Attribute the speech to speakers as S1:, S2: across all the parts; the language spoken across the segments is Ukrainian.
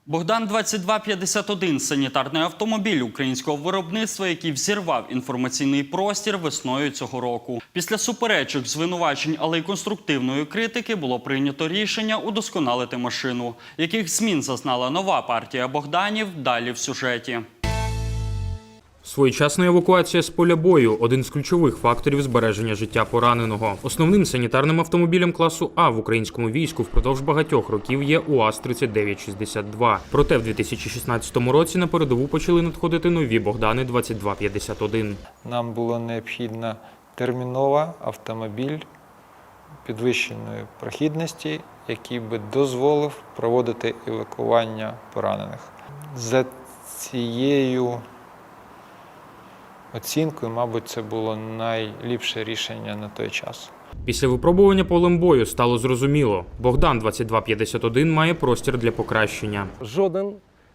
S1: Богдан 2251 – санітарний автомобіль українського виробництва, який взірвав інформаційний простір весною цього року. Після суперечок, звинувачень, але й конструктивної критики було прийнято рішення удосконалити машину. Яких змін зазнала нова партія Богданів – далі в сюжеті.
S2: Своєчасна евакуація з поля бою – один з ключових факторів збереження життя пораненого. Основним санітарним автомобілем класу А в українському війську впродовж багатьох років є УАЗ-3962. Проте в 2016 році на передову почали надходити нові Богдани 2251.
S3: Нам було необхідно терміново автомобіль підвищеної прохідності, який би дозволив проводити евакуювання поранених. За цією оцінкою, мабуть, це було найліпше рішення на той час.
S2: Після випробування полем бою стало зрозуміло – Богдан 2251 має простір для покращення.
S4: Жоден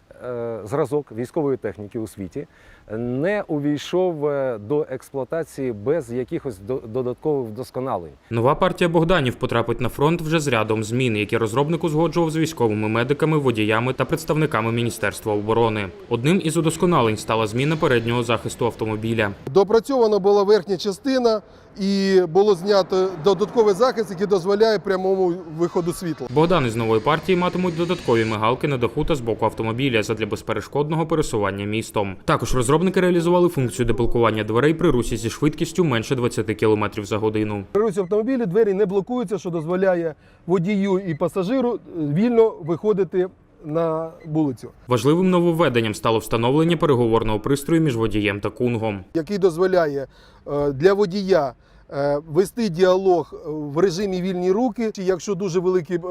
S4: зразок військової техніки у світі не увійшов до експлуатації без якихось додаткових вдосконалень.
S2: Нова партія Богданів потрапить на фронт вже з рядом змін, які розробник узгоджував з військовими медиками, водіями та представниками Міністерства оборони. Одним із удосконалень стала зміна переднього захисту автомобіля.
S5: Доопрацьована була верхня частина і було знято додатковий захист, який дозволяє прямому виходу світла.
S2: Богдани з нової партії матимуть додаткові мигалки на даху та з боку автомобіля задля безперешкодного пересування містом. Також розробники реалізували функцію деблокування дверей при русі зі швидкістю менше 20 км за годину.
S5: При русі автомобіля двері не блокуються, що дозволяє водію і пасажиру вільно виходити на вулицю.
S2: Важливим нововведенням стало встановлення переговорного пристрою між водієм та кунгом,
S5: який дозволяє для водія вести діалог в режимі вільні руки, чи якщо дуже великі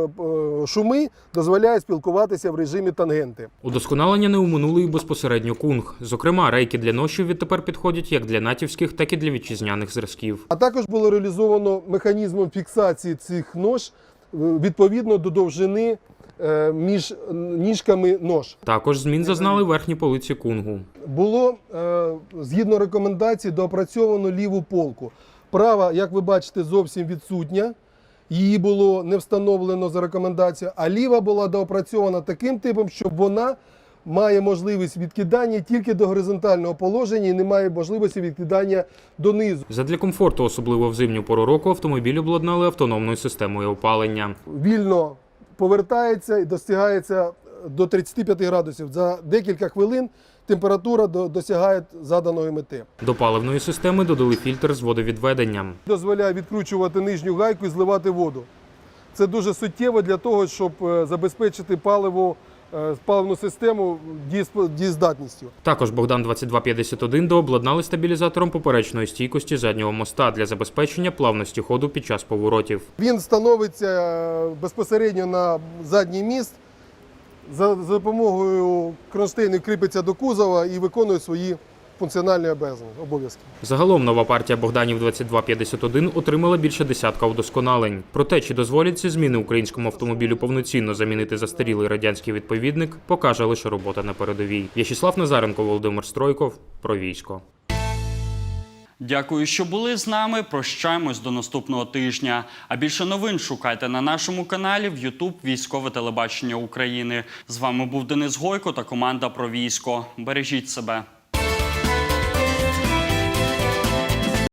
S5: шуми, дозволяє спілкуватися в режимі тангенти.
S2: Удосконалення не оминули і безпосередньо кунг. Зокрема, рейки для ношів відтепер підходять як для натівських, так і для вітчизняних зразків.
S5: А також було реалізовано механізмом фіксації цих нож відповідно до довжини між ніжками нож.
S2: Також змін зазнали верхні полиці кунгу.
S5: Було, згідно рекомендацій, доопрацьовано ліву полку. Права, як ви бачите, зовсім відсутня. Її було не встановлено за рекомендацією, а ліва була доопрацьована таким типом, що вона має можливість відкидання тільки до горизонтального положення і не має можливості відкидання донизу.
S2: Задля комфорту, особливо в зимню пору року, автомобіль обладнали автономною системою опалення.
S5: Вільно повертається і достигається до 35 градусів. За декілька хвилин температура досягає заданої мети.
S2: До паливної системи додали фільтр з водовідведенням.
S5: Дозволяє відкручувати нижню гайку і зливати воду. Це дуже суттєво для того, щоб забезпечити паливну систему дієздатністю.
S2: Також Богдан 2251 дообладнали стабілізатором поперечної стійкості заднього моста для забезпечення плавності ходу під час поворотів.
S5: Він становиться безпосередньо на задній міст, за допомогою кронштейну кріпиться до кузова і виконує свої функціональні обов'язки.
S2: Загалом нова партія Богданів 2251 отримала більше десятка удосконалень. Проте, чи дозволять ці зміни українському автомобілю повноцінно замінити застарілий радянський відповідник, покаже лише робота на передовій. В'ячеслав Назаренко, Володимир Стройков. Про військо.
S1: Дякую, що були з нами. Прощаємось до наступного тижня. А більше новин шукайте на нашому каналі в YouTube «Військове телебачення України». З вами був Денис Гойко та команда «Про військо». Бережіть себе.